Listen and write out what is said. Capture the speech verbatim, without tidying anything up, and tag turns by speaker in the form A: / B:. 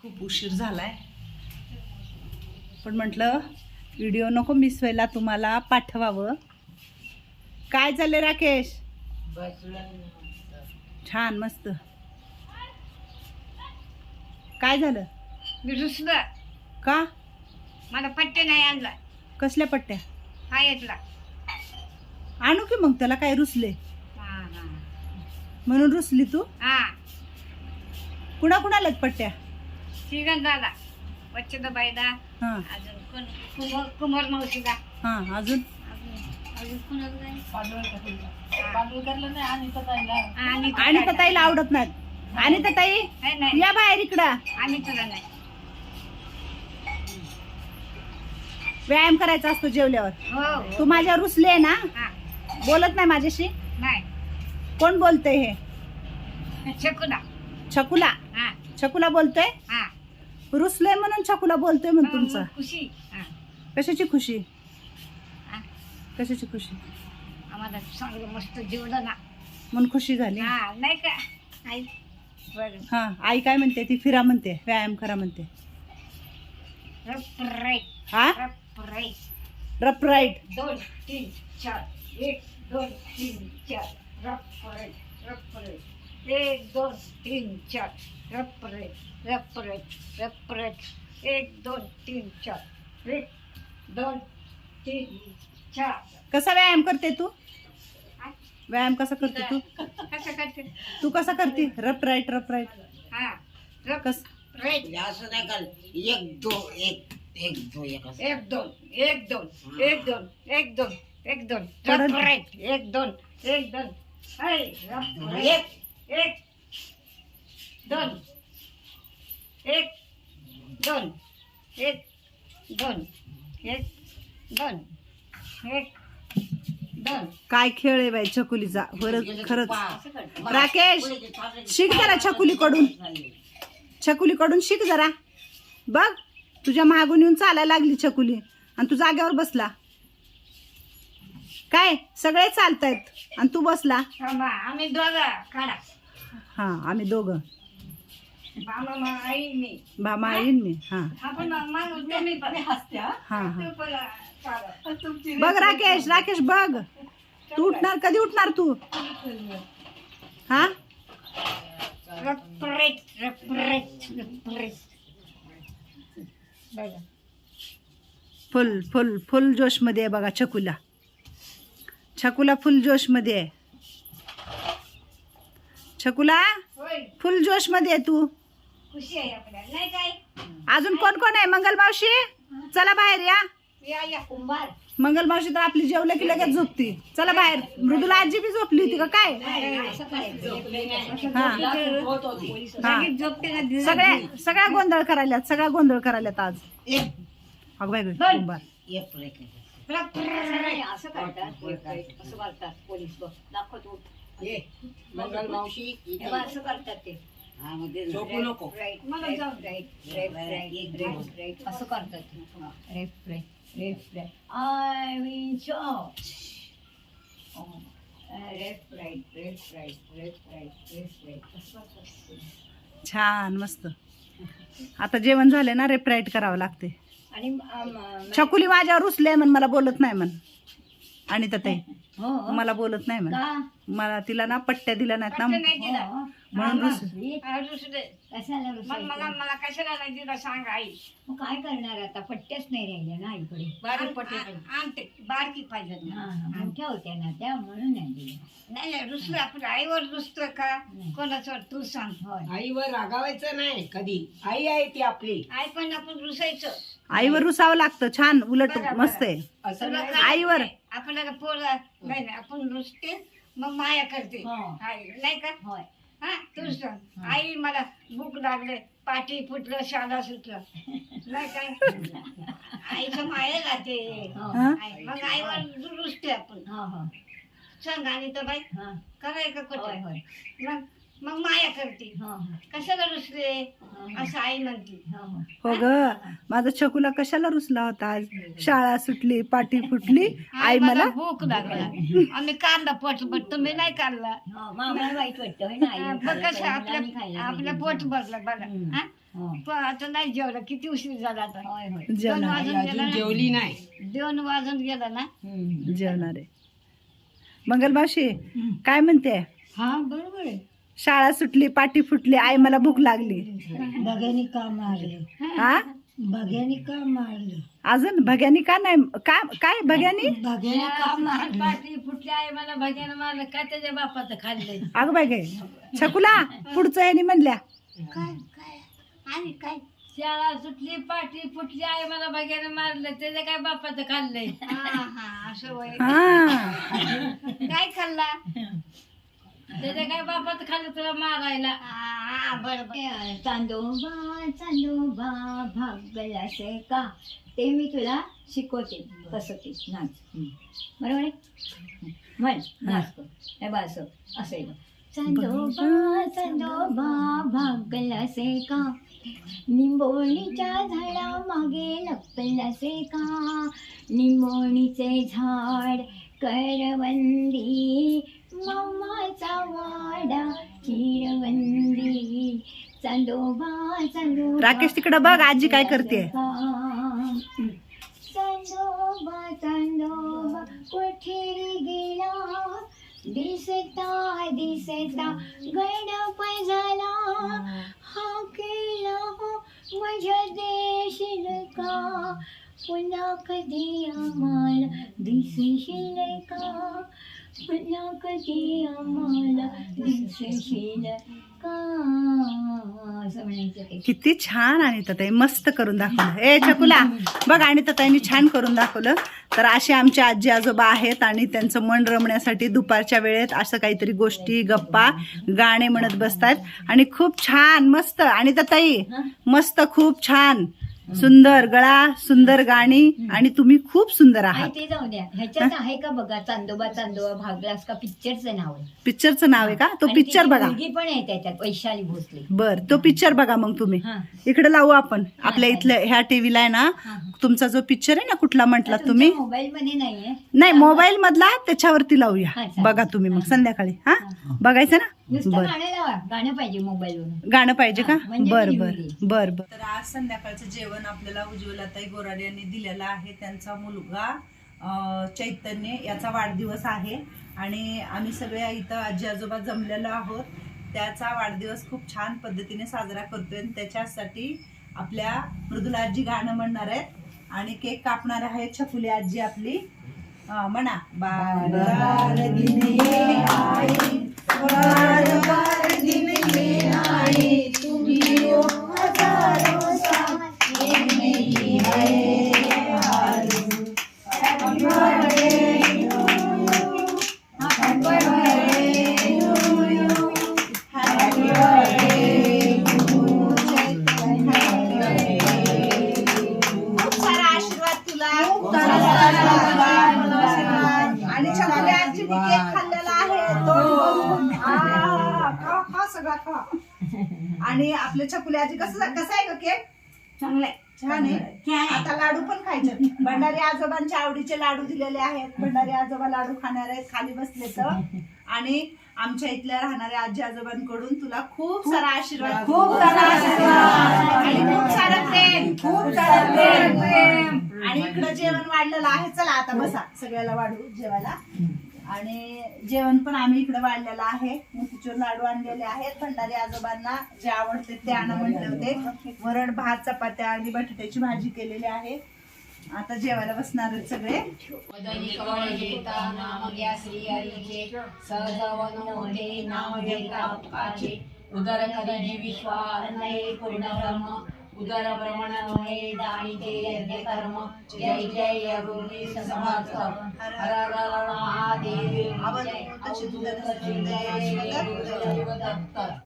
A: खूप उशीर झालाय, पण म्हटलं व्हिडिओ नको मिस व्हायला, तुम्हाला पाठवावं. काय झालं राकेश? छान मस्त. काय झालं?
B: मी रुसलं.
A: का?
B: मला पट्टे नाही आणला.
A: कसल्या पट्ट्या?
B: हा येतला.
A: आणू की मग, त्याला काय रुसले
B: हा हा
A: म्हणून रुसली तू?
B: हा.
A: कुणा कुणाला पट्ट्या?
B: श्रीगंधाला, वच्छद बाईला,
A: हा
B: अजून कोण कुमार कुमार मावशीला,
A: हा अजून
B: अजून अजून कोणाला नाही.
A: आणि तर ताईला आवडत नाही. आणि तर ताई
B: नाही नाही
A: या बाहेर इकडं.
B: आणि तुला नाही.
A: व्यायाम करायचा असतो जेवल्यावर.
B: हो
A: तू माझ्यावर रुसली आहे ना,
B: हा
A: बोलत नाही माझ्याशी.
B: नाही.
A: कोण बोलतय हे?
B: छकुला.
A: छकुला.
B: हा
A: छकुला बोलतोय.
B: हा
A: रुसलंय म्हणून छकुला बोलतोय म्हण तुमचं.
B: खुशी. हा
A: कशाची खुशी?
B: हा.
A: कशाची खुशी?
B: आम्हाला चांगलं मस्त जेवलं ना,
A: म्हणून खुशी झाली.
B: हा नाही का आई? बरं.
A: हा आई काय म्हणते? ती फिरा म्हणते, व्यायाम करा म्हणते.
B: रप राईट.
A: हा
B: रप राईट.
A: रप राईट.
B: दोन तीन चार. एक दोन तीन चार. रप राईट. रप राईट. एक दोन तीन चार. रप राईट. रप राईट. रप राईट. एक दोन तीन चार. एक दोन तीन चार.
A: कसा व्यायाम करते तू? व्यायाम कसा करते तू?
B: कसं करते?
A: तू कसा करते? रप राईट रप राईट.
B: हा रप
A: कस?
B: राईट.
C: असं नाही कर. एक दो एक एक दो एक असं.
B: एक दोन एक दोन एक दोन एक दोन एक दोन.
A: परत.
B: रप राईट. एक दोन एक दोन. हाय रप राईट. एक एक दोन एक दोन एक दोन एक दोन एक दोन.
A: काय खेळ आहे बाई छकुलीचा. खरंच खरंच.
C: असं कर.
A: राकेश शिक जरा छकुलीकडून. छकुलीकडून शिक जरा. बघ तुझ्या मागून येऊन चालायला लागली छकुली आणि तू जागेवर बसला. काय सगळे चालतायत आणि तू बसला.
B: थांबा, आम्ही दोघं काढा.
A: हा आम्ही दोघं,
B: मामा मा आई मी.
A: बाबा येईन मी. हा
B: आपण माणूस तुम्ही पण हसत्या.
A: हा हा
B: तू पण काढा.
A: बघ राकेश राकेश बघ. तू उठणार कधी उठणार तू? हा
B: रपरेट रपरेट रपरेट. बघा
A: फुल फुल फुल जोश मध्ये आहे बघा छकुला. छकुला फुल जोश मध्ये आहे. छकुला
B: होय,
A: फुल जोश मध्ये आहे तू.
B: खुशी आहे आपल्याला नाही काय?
A: अजून कोण कोण आहे? मंगल मावशी चला बाहेर या.
B: या या कुंभार.
A: मंगल मावशी तर आपली जेवलं की लगेच झोपती. चला बाहेर. मृदुला आजी बी झोपली होती का काय?
B: असं करायचं.
A: हा हा
B: लगेच झोपते ना दिवस.
A: सगळ्या सगळ्या गोंधळ करायल्यात. सगळ्या गोंधळ करायल्यात आज.
C: एक
A: अग बाई गं, कुंभार.
C: एक ब्रेक आहे.
B: रपरेट. असं करतात. असं करतात पोलीस. बघ दाखवतो.
C: ये मंगल मावशी
B: हे बघ, असं करतात ते.
C: हा मध्ये झोपू नको.
B: राईट. मला जाऊ right right right right right असं करतात ते. Left right left right. I will चॉच. Left right left right left right left right असं करतात.
A: छान मस्त. आता जेवण झाले ना, रेपराईट करावं लागते.
B: आणि आम-
A: छकुली माझ्यावर रुसले म्हण, मला बोलत नाही म्हण. आणि तर ताई
B: हो
A: मला बोलत नाही म्हण.
B: का?
A: मला तिला ना पट्ट्या दिल्या नाहीत ना,
B: पट्टे नाही दिला.
A: म्हणून रुस.
B: हा, रुसले.
D: कशाला
B: मग
D: रुसायचं?
B: मला मला कशाला नाही दिला सांग आई.
D: मग काय करणार आता? पट्ट्याच नाही राहिल्या ना आईकडे.
B: बारीक पट्टे आणते. बारकी पाहिजे
D: हा,
B: ना.
D: हा, मोठ्या होत्या ना त्या, म्हणून नाही दिल्या.
B: नाही नाही रुसलं. आपण आईवर रुसतं का
D: नाही.
B: कोणाचं तू सांग.
D: होय.
C: आईवर रागावायचं नाही कधी. आई आहे ती आपली.
B: आई पण आपण रुसायचं.
A: आईवर रुसावं लागतं. छान उलट
B: बरं,
A: मस्त आहे.
C: असं
B: तुला
C: नाही.
B: काय
A: आईवर.
B: नाही. आपल्याला पोर नाही नाही आपण रुसते मग माया करते.
D: हो.
B: आई नाही का?
D: होय.
B: हा तू सांग. आई मला भूक लागले, पाठी फुटलं, शाळा सुटलं नाही काय? आईचं माया राहते.
D: हो.
A: हा?
B: आई- मग आईवर रुसते आपण.
D: हो, हो.
B: सांग आणि तर बाई
D: हा.
B: कराय का
D: होय,
B: कुठे?
D: होय.
B: मग मग माया करते.
D: हो हो.
B: कशाला रुसले
D: हो,
B: असं आई म्हणते.
D: हो, हो.
A: हो ग माझा छकुला कशाला रुसला होता आज? शाळा सुटली, पाठी फुटली, आई मला
B: भूक लागला आम्ही काढला पोटभर, तुम्ही नाही काढला.
D: हो, मग आम्हाला वाईट वाटतं होय ना,
B: हा,
D: आईला
B: बघ
D: खायला
B: कसं
D: पाहिजे, मुलांनी
B: आपलं
D: खायला
B: आपलं
D: पाहिजे.
B: पोट भरलं बघा.
D: हम्म.
B: हा?
D: हो.
B: पण आता नाही जेवलं, किती उशीर झाला आता.
D: होय होय.
B: दोन
A: जेवणार
B: वाजून गेला ना,
C: जेवली नाही.
B: दोन वाजून गेला ना.
D: हम्म.
A: जेवणार आहे. मंगलमावशी काय म्हणते?
B: हा बरोबर आहे.
A: शाळा सुटली, पाठी फुटली, आई मला भूक लागली.
B: बघ्यानी का मारले,
A: हा
B: बघ्यानी का मारले,
A: अजून भग्यानी का नाही का काय भग्यानी?
B: बघ्यानी का मारले. पाठी फुटली आहे मला बघ्यानं मारलं, काय त्याच्या बापाचं खाल्लंय.
A: अगं बाय गे छकुला पुढचं यांनी म्हणल्या
B: काय काय आणि काय
E: शाळा सुटली, पाठी फुटली आहे मला बघायला मारलं, त्याच्या काय बापाचं खाल्लंय.
B: हा हा असं वय.
A: हा
B: काय खाल्ला?
E: त्याच्या काय बापाचं खाल्लं तुला मारायला.
B: हा बरोबर.
D: चांदोबा चांदोबा भागलासे का, ते मी तुला शिकवते कसं ते नाच. हम्म. बरोबर आहे. म्हण नाच कर. हे बघ असं असं आहे बघ. चांदोबा चांदोबा भागलासे का, निंबोणीच्या झाडा मागे लपलासे का, निंबोणीचे झाड करवंदी, मामाचा वाडा चिरवंदी, चांदोबा चांदोबा.
A: राकेश तिकडं बघ आजी काय करते.
D: चांदोबा चांदोबा कुठे गेला, दिसता दिसता गडप झाला, हा केला हो माझ्या देशील का, पुन्हा कधी आम्हाला दिसशील का, पुन्हा कधी आम्हाला दिसशील का, असं म्हणायचं ते.
A: किती छान अनिताताई मस्त करून दाखवलं. ए छकुला बघ अनिताताईंनी छान करून दाखवलं. तर असे आमचे आजी आजोबा आहेत आणि त्यांचं मन रमण्यासाठी दुपारच्या वेळेत असं काहीतरी गोष्टी गप्पा गाणे म्हणत बसतात आणि खूप छान मस्त. अनिताताई मस्त खूप छान सुंदर गळा, सुंदर गाणी आणि तुम्ही खूप सुंदर
D: आहे
A: आहात.
D: ते जाऊ द्या. ह्याच्यात आहे का बघा, चांदोबा चांदोबा भागलास का, पिक्चरचं नाव आहे.
A: पिक्चरचं नाव आहे का? तो
D: आणि
A: पिक्चर
D: तिची
A: बघा.
D: मुलगी पण आहे त्याच्यात, वैशाली भोसले.
A: बर तो पिक्चर बघा मग तुम्ही.
D: हा.
A: इकडे लावू आपण आपल्या इथल्या ह्या टीव्हीला आहे ना.
D: हा.
A: तुमचा जो पिक्चर आहे ना कुठला म्हटला तुम्ही,
D: मोबाईल मध्ये नाहीये.
A: नाही मोबाईल मधला त्याच्यावरती लावूया.
D: हा, चालेल.
A: बघा तुम्ही मग संध्याकाळी. हा बघायचं ना.
D: नुसतं
A: बर
D: गाणं लावा, गाणं पाहिजे मोबाईल वरून.
A: गाणं पाहिजे का?
D: हा, म्हणजे
A: बर
D: मी
A: बर
D: निवडली.
A: बर बर. तर आज संध्याकाळचं जेवण आपल्याला उज्ज्वलाताई गोराडे यांनी दिलेलं आहे. त्यांचा मुलगा अं, चैतन्य याचा वाढदिवस आहे आणि आम्ही सगळे इथं आजी आजोबा जमलेलो आहोत. त्याचा वाढदिवस खूप छान पद्धतीने साजरा करतोय आणि त्याच्यासाठी आपल्या मृदुला आजी गाणं म्हणणार आहेत आणि केक कापणार आहे छकुली आजी आपली. अं, म्हणा बार बार दिन ये आई, बार बार दिन ये आई, तुम्ही हो हजारों साल, ये मेरी है आरज़ू. Happy birthday to you, happy birthday to you, happy birthday to चैतन्य. खूप सारा आशीर्वाद तुला, खूप सारा आशीर्वाद. आणि छकुली आजीने केक खाल्लेला आहे तोंड भरून. आ, खा खा सगळा खा. आणि आपले छकुली आजी कसं कसं आहे ग केक?
B: चांगलंय.
A: छान आहे. आता लाडू पण खायचे. भंडारी आजोबांच्या आवडीचे लाडू दिलेले आहेत. भंडारी आजोबा लाडू खाणार आहेत, खाली बसले तर. आणि आमच्या इथल्या राहणाऱ्या आजी आजोबांकडून तुला खूप सारा आशीर्वाद, खूप सारा आशीर्वाद आणि खूप सारं प्रेम, खूप सारं प्रेम. आणि इकडं जेवण वाढलेलं आहे. चला आता बसा सगळ्याला वाढू जेवायला. आणि जेवण पण आम्ही इकडे वाढलेलं आहे. मोतीचूर लाडू आणलेले आहेत. भंडारी आजोबांना जे आवडते ते आणा म्हटले होते. वरण भात चपात्या आणि बटाट्याची भाजी केलेली आहे. आता जेवायला बसणार आहेत सगळे.
E: उदर करी विश्वास पूर्ण उदर ब्रह्मण हे दानी ते यज्ञ कर्म. जय जय गुरुजी समर्थ. हर हर महादेव. जय. अवधूत चिंतन सुंदर दत्त.